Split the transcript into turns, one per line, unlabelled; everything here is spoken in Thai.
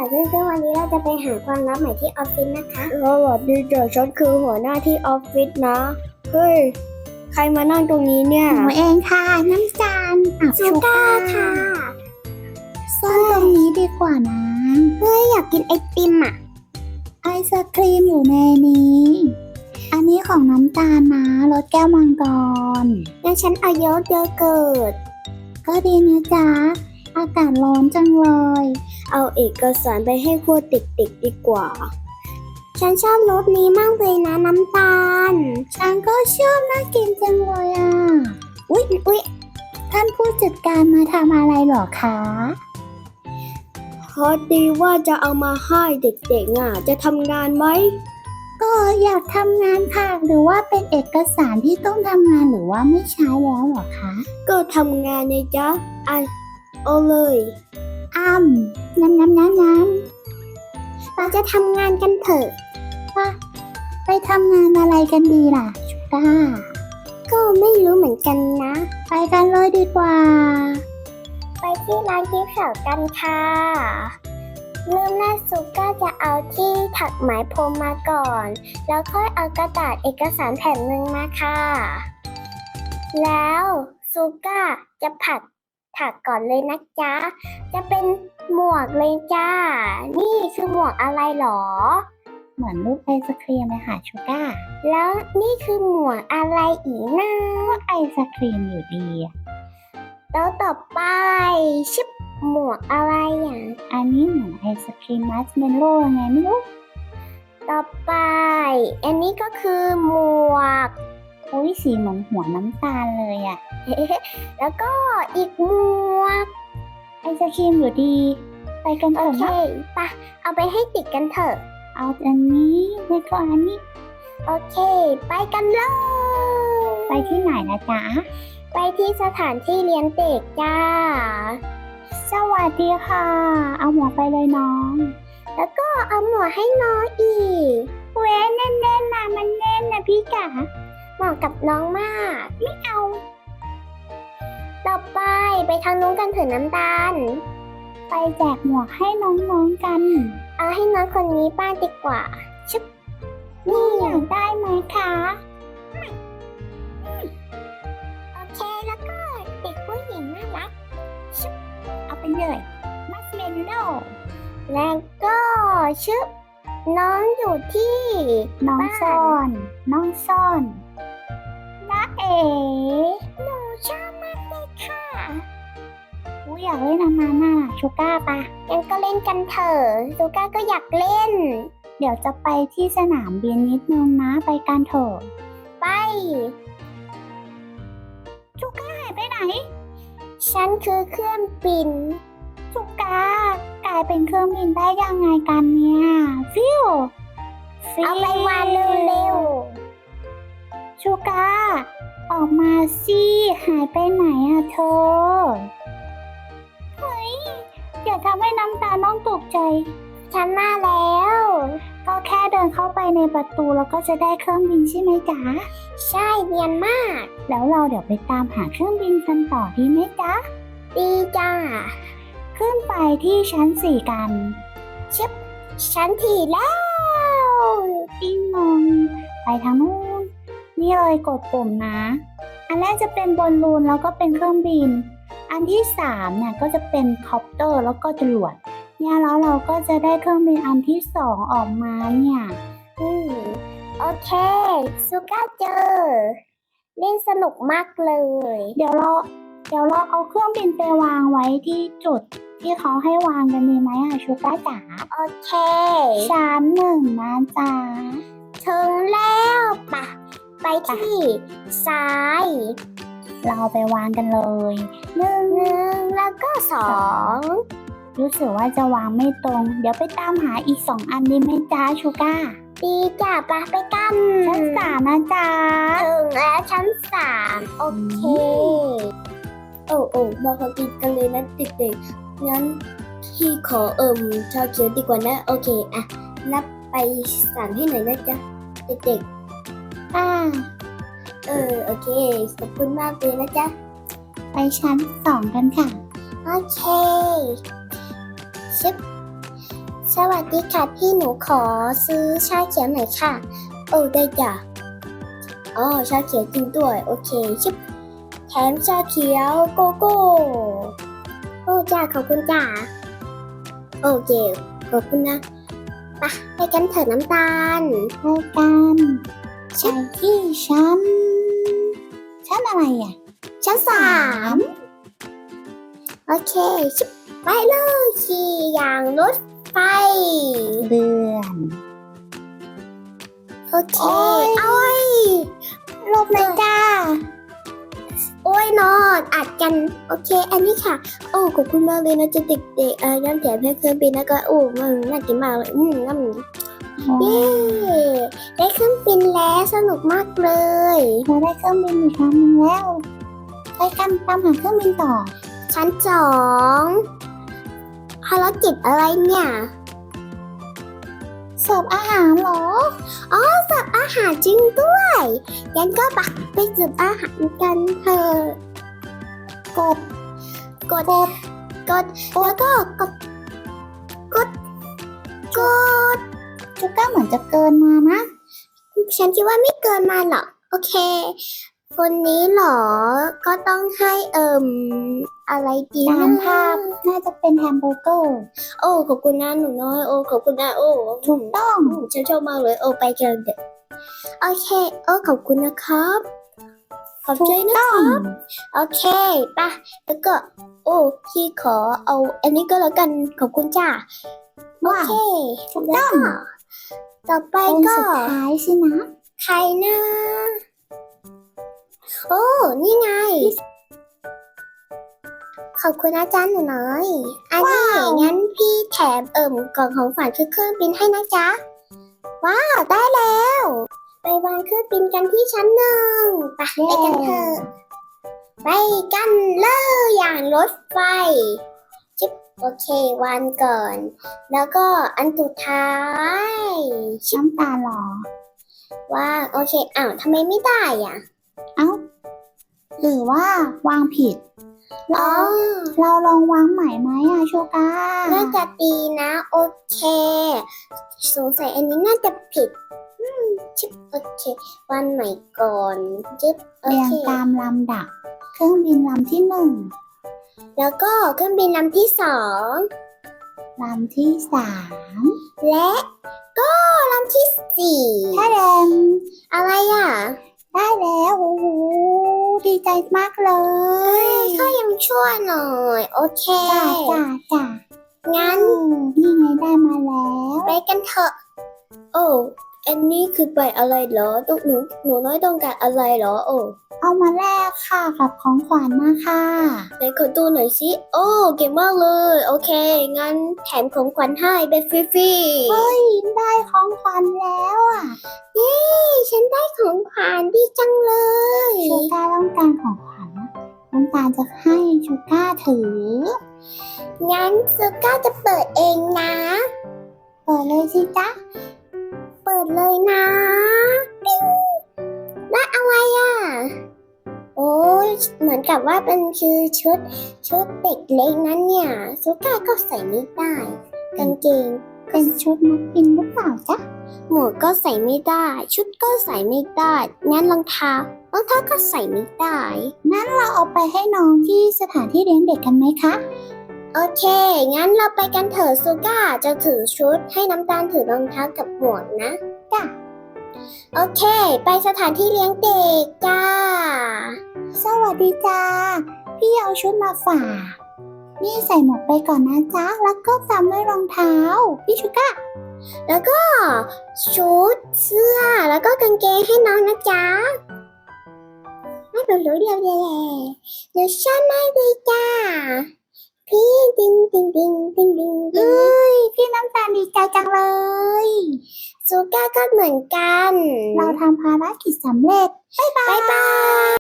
ซึ่งวันนี้เราจะไปหาความลับใหม่ที่ออฟฟิศนะคะ
สวัสดีจ้ะฉันคือหัวหน้าที่ออฟฟิศนะ เฮ้ย ใครมานั่งตรงนี้เนี่ย
หนูเองค่ะน้ำตาล
ชูก้าค่ะ
ซ่อนตรงนี้ดีกว่านะ
เฮ้ยอยากกินไอติมอ่ะ
ไอศครีมอยู่ในนี้ อันนี้ของน้ำตาลนะรสแก้วมังกร
งั้นฉันเอาโยเกิร์ต
ก็ดีนะจ๊ะ อากาศร้อนจังเลย
เอาเอกสารไปให้พวกเด็กๆดีกว่า
ฉันชอบรสนี้มากเลยนะน้ำตาล
ฉันก็ชอบน่ากินจังเลยอ่ะ อุ๊ยท่านผู้จัดการมาทำอะไรหรอคะ
พอดีว่าจะเอามาให้เด็กๆจะทำงานไหม
ก็อยากทำงานค่ะ หรือว่าเป็นเอกสารที่ต้องทำงานหรือว่าไม่ใช้แล้วหรอคะ
ก็ทำงานไงจ๊ะเอาเลย
น้ำ
เราจะทำงานกันเถอะ
ไปทำงานอะไรกันดีล่ะชูก้า
ก็ไม่รู้เหมือนกันนะ
ไปกันเลยดีกว่า
ไปที่ร้านกิ๊ฟต์ช็อปกันค่ะเริ่มแรกซูก้าจะเอาที่ถักไหมพรมมาก่อน แล้วค่อยเอากระดาษเอกสารแผ่นหนึ่งมาค่ะ แล้วซูก้าจะถักก่อนเลยนะจ๊ะ จะเป็นหมวกเลยจ้า นี่คือหมวกอะไรหรอ
เหมือนรูปไอศครีมเลยค่ะชูก้า
แล้วนี่คือหมวกอะไรอีกนะ
ก็ไอศครีมอยู่ดีอะ
แล้วต่อไปชิบหมวกอะไรอ่ะ
อันนี้เหมือนไอศครีมมัสเมลโล่ไงไม่รู้
ต่อไป อันนี้ก็คือหมวก
โอ้ยสีเหมือนหัวน้ำตาลเลยอะ
แล้วก็อีกหมวก
ไอศครีมอยู่ดี ไปกันเถ
โอ
อะ
เค
นะ
ไปเอาไปให้ติดกันเถอะ
เอาอันนี้แล้วก็อันนี้
โอเค ไปกันเลย
ไปที่ไหนนะจ๊ะ
ไปที่สถานที่เลี้ยงเด็กจ้า
สวัสดีค่ะ เอาหมวกไปเลยน้อง
แล้วก็เอาหมวกให้น้องอีก
เว้ยแน่นๆนะมันแน่นนะพี่จ๋า
เหมาะกับน้องมาก ไม่เอา ต่อไปไปทางนู้นกันเถอะน้ำตาล
ไปแจกหมวกให้น้องๆกัน
เอาให้น้องคนนี้บ้างดีกว่า
นี่อยากได้ไหมคะ
โอเค แล้วก็เด็กผู้หญิงน่ารัก
เอาไปเลยมัสเมลโล่
แล้วก็ชึบน้องอยู่ที่
น้อง
บ้าน
ซ่อนน้องซ่อนน้าเอ๋
หนูชอบมากเลยค่ะ
กูอยากเล่นอันนั้นน่ะชูก้าปะ
งั้นก็เล่นกันเถอะซูก้าก็อยากเล่น
เดี๋ยวจะไปที่สนามบินนิดนึงนะไปกันเถอะ
ไป
ชูก้าหายไปไหน
ฉันคือเครื่องบิน
ชูก้ากลายเป็นเครื่องบินได้ยังไงกันเนี่ยฟิว
เอาไปวางเร็ว
ชูก้าออกมาสิหายไปไหนอะเธอเฮ้ยอย่าทำให้น้ำตาน้องตกใจ
ๆ ฉันมาแล้ว
ก็แค่เดินเข้าไปในประตูแล้วก็จะได้เครื่องบินใช่ไหมจ๊ะ
ใช่เนียนมาก
แล้วเราเดี๋ยวไปตามหาเครื่องบินกันต่อดีไหมจ๊ะ
ดีจ้า
ขึ้นไปที่ชั้น 4 กัน
ฉันถี่แล้ว
ปิ้งนองไปทางนู้นนี่เลยกดปุ่มนะ อันแรกจะเป็นบอลลูนแล้วก็เป็นเครื่องบิน อันที่3เนี่ยก็จะเป็นคอปเตอร์แล้วก็จรวดเนี่ยแล้วเราก็จะได้เครื่องบินอันที่ 2ออกมาเนี่ย
โอเคซูก้าเจอ เล่นสนุกมากเลย
เดี๋ยวเราเอาเครื่องบินไปวางไว้ที่จุดที่เขาให้วางกันดีไหมอะชูก้าจ๋า
โอเค
ชั้น1นะจ๊ะ
ถึงแล้วไปที่ซ้าย
เราไปวางกันเลยหนึ่ง
1แล้วก็2
รู้สึกว่าจะวางไม่ตรง เดี๋ยวไปตามหาอีก2อันดีไหมจ๊ะชูก้า
ดีจ้ะไปกัน
ชั้น3นะจ๊ะ
ถึงแล้วชั้น3โอเค
โอ้มาพอกินกันเลยนะเด็กๆ งั้นพี่ขอชาเขียวดีกว่านะ โอเคอะนับไป3ให้หน่อยนะจ๊ะเด็ก
อ่า
ๆ โอเค ขอบคุณมากเลยนะจ๊ะ
ไปชั้น2กันค่ะ
โอเคชึบสวัสดีค่ะพี่หนูขอซื้อชาเขียวหน่อยค่ะ
โอ้ได้จ้ะอ๋อชาเขียวจริงด้วยโอเคชิบแถมชาเขียวโกโก้
โอ้จ้าขอบคุณจ้า
โอเคขอบคุณนะ
ไปกันเถอะน้ำตาล
ไปกันไปที่ชั้นอะไรอ่ะ
ชั้น3โอเคชิบไปเลยขี่อย่างรถไฟ
เดือน
โอเค
โอ้ย
หลบเลยจ้า โอ้ยนอนอัดกัน โอเค อันนี้ค่ะ
โอ้ขอบคุณมากเลยนะจะเด็กๆย้อนแถมให้เครื่องบินนะก็โอ้มันน่ากินมากเลยงั้น
เย้ได้เครื่องบินแล้วสนุกมากเลย
เราได้เครื่องบินอีกครั้งหนึงแล้วไปกันตามหาเครื่องบินต่อ
ชั้น2ภารกิจอะไรเนี่ย
เสิร์ฟอาหารเหรอ
อาหารจริงด้วยงั้นก็ไปเสิร์ฟอาหารกันเถอะ
กด
กดแล้วก็กด
จูก้าเหมือนจะเกินมานะ
ฉันคิดว่าไม่เกินมาหรอกโอเค คนนี้เหรอ ก็ต้องให้อะไรดี
ตาม
นะ
ภาพน่าจะเป็นแฮมเบอร์เกอร์
โอ้ขอบคุณนะหนูน้อยโอ้ขอบคุณนะโอ้
ถูกต้อง
ฉันชอบมากเลยโอ้ไปกันเด็ก
โอเคขอบคุณนะครับ
ขอบ
ถู
ใจ
ก
นะ
ต้อง
โอเคป่ะ
แล้วก็โอ้พี่ขอเอาอันนี้ก็แล้วกันขอบคุณจ้า
โอ
ว้าว
เค
ถูก
แล้
ต้
ว
อง
ก็ต่อไป
คน
ก็
สุดท้ายสินะ
ใครนะ โอ้ นี่ไง ขอบคุณอาจารย์หนูน้อย อันนี้งั้นพี่แถมกล่องของฝันคือเครื่องบินให้นะจ๊ะ ว้าว ได้แล้ว ไปวางเครื่องบินกันที่ชั้น1ไปกันเถอะ ไปกันเลยอย่างรถไฟจิ๊บโอเควางก่อน แล้วก็อันสุดท้ายชิบ
น้ำตาหรอ
ว่างโอเคอ้าวทำไมไม่ได้อ่ะ
เอ้า หรือว่าวางผิด
อ๋อ
เราลองวางใหม่ไหมอะโชก้า
น่าจะดีนะ โอเค สงสัยอันนี้น่าจะผิดชิบโอเควางใหม่ก่อนจิ๊บโอ
เรียง
เค
ตามลำดับ เครื่องบินลำที่1
แล้วก็เครื่องบินลำที่
ลำที่3
2และก็ลำที่4
ถ้าแดง
อะไรอ่ะ
ได้แล้วโอ้โหดีใจมากเลย
ก็ยังชั่วหน่อย โอเค
จ้า
งั้น
นี่ไงได้มาแล้ว
ไปกันเถอะ
โอ้อันนี้คือไปอะไรเหรอต้องหนูน้อยต้องการอะไรเหรอโอ้
เอามาแลกค่ะกับของขวัญนะคะ
ไหนขอดูหน่อยสิโอ้เก่งมากเลยโอเคงั้นแถมของขวัญให้เป็นฟรี
เฮ้ย ได้ของขวัญแล้วอ่ะ
ฉันได้ของขวัญดีจังเลย
ชูก้าต้องการของขวัญนะน้องตาลจะให้ชูก้าถือ
งั้นซูก้าจะเปิดเองนะ
เปิดเลยสิจ๊ะ
เปิดเลยนะปิ๊งและอะไรอ่ะ โอ้ยเหมือนกับว่าเป็นคือชุดเด็กเล็กนั้นเนี่ยซูก้าก็ใส่ไม่ได้กางเกง
เป็นชุดนักบินหรือเปล่าจ๊ะ
หมวกก็ใส่ไม่ได้ ชุดก็ใส่ไม่ได้งั้นรองเท้าก็ใส่ไม่ได้
งั้นเราเอาไปให้น้องที่สถานที่เลี้ยงเด็กกันไหมคะ
โอเค งั้นเราไปกันเถอะซูก้าจะถือชุดให้น้ำตาลถือรองเท้ากับหมวกนะ
จ้ะ
โอเค ไปสถานที่เลี้ยงเด็กจ้า
สวัสดีจ้า พี่เอาชุดมาฝาก นี่ใส่หมวกไปก่อนนะจ๊ะ แล้วก็ตามด้วยรองเท้า พี่ชูก้า
แล้วก็ชุดเสื้อแล้วก็กางเกงให้น้องนะจ๊ะไม่รู้เดียวเดี๋ยวฉันไม่ดีจ้า พี่ดิงดิงดิงดิงดิงดิง
เอ้ย พี่น้ำตาลดีใจจังเลย
ซูก้าก็เหมือนกัน
เราทำภารกิจสำเร็จ
บ๊ายบาย